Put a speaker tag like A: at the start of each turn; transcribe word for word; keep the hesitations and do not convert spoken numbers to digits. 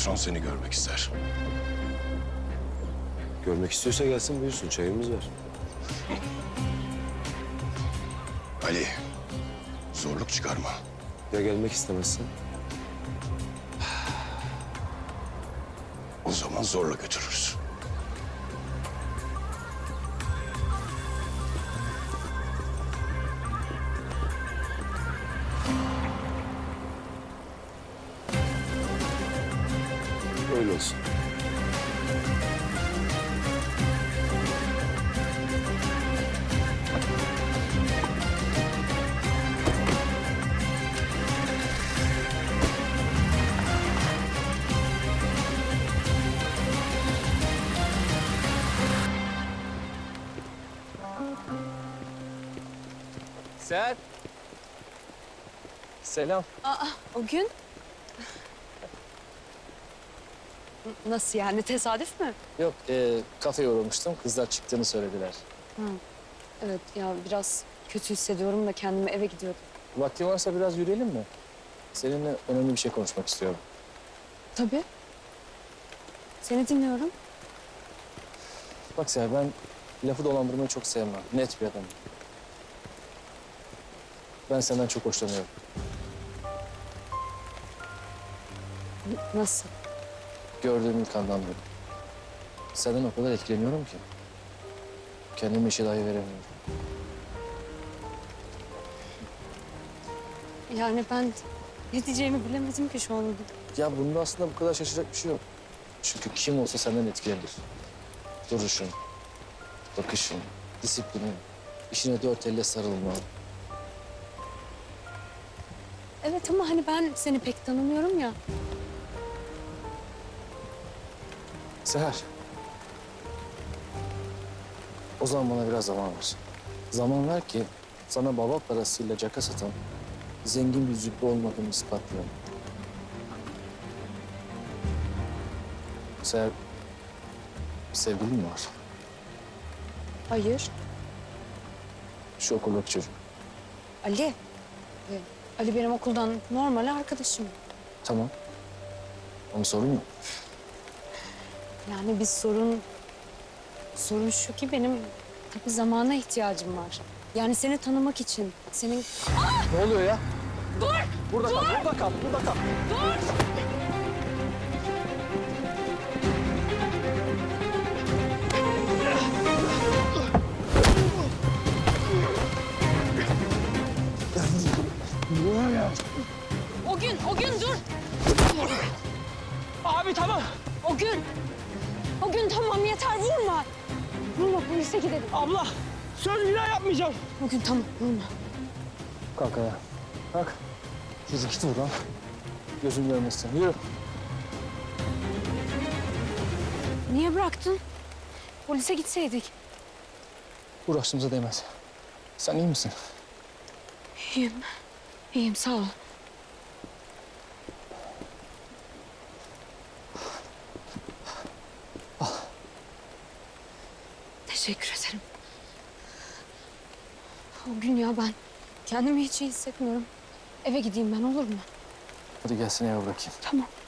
A: Patron seni görmek ister.
B: Görmek istiyorsa gelsin buyursun. Çayımız var.
A: Ali, zorluk çıkarma.
B: Ya gelmek istemezsen?
A: O zaman zorla götürürüz.
B: Öyle olsun.
C: Seher. Selam.
D: Aa, o gün? Nasıl yani? Tesadüf mü?
C: Yok, e, kafeye uğramıştım. Kızlar çıktığını söylediler.
D: Evet ya biraz kötü hissediyorum da kendimi eve gidiyordum.
C: Vaktin varsa biraz yürüyelim mi? Seninle önemli bir şey konuşmak istiyorum.
D: Tabii. Seni dinliyorum.
C: Bak Seher, ben lafı dolandırmayı çok sevmem. Net bir adamım. Ben senden çok hoşlanıyorum.
D: N- Nasıl?
C: Gördüğüm ilk andan beri. Senden o kadar etkileniyorum ki. Kendime işe dahi veremiyorum.
D: Yani ben ne diyeceğimi bilemedim ki şu anda.
C: Ya bunda aslında bu kadar şaşıracak bir şey yok. Çünkü kim olsa senden etkilenir. Duruşun, bakışın, disiplinin, işine dört elle sarılma.
D: Evet ama hani ben seni pek tanımıyorum ya.
C: Seher. O zaman bana biraz zaman ver. Zaman ver ki sana baba parasıyla caka satan zengin bir züppe olmadığımı ispatlayayım. Seher, bir sevgilin mi var?
D: Hayır.
C: Şu okuldaki çocuk.
D: Ali. Ee, Ali benim okuldan normal arkadaşım.
C: Tamam. Ama sorun mu?
D: Yani bir sorun... Sorun şu ki benim tabii zamana ihtiyacım var. Yani seni tanımak için, senin...
C: Ne oluyor ya? Dur! Burada kal, burada kal, burada kal.
D: O gün, o gün dur!
E: Abi tamam.
D: O gün! O gün tamam yeter vurma! Vurma polise gidelim.
E: Abla söz bir daha yapmayacağım.
D: O gün tamam vurma.
C: Kalk ayağa. Kalk. Yürü git buradan. Gözüm görmesin. Yürü.
D: Niye bıraktın? Polise gitseydik.
C: Uğraştığımıza değmez. Sen iyi misin?
D: İyiyim. İyiyim sağ ol. Teşekkür ederim. O gün ya ben kendimi hiç iyi hissetmiyorum. Eve gideyim ben olur mu?
C: Hadi gelsin eve bırakayım.
D: Tamam.